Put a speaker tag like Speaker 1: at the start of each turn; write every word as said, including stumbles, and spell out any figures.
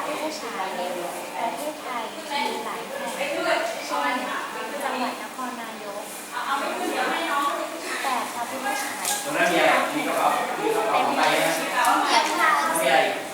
Speaker 1: พุทธฉายในประเทศไทยมีหลายแห่งเช่นจังหวัดนครนายกแต่พระพุทธฉาย
Speaker 2: ตรงนั้นมีอะไรมีกระเป๋ามีกระเป๋า
Speaker 1: เต็ม
Speaker 2: ไป
Speaker 1: ไป
Speaker 2: นะ
Speaker 1: ด้วย
Speaker 2: มีอะไร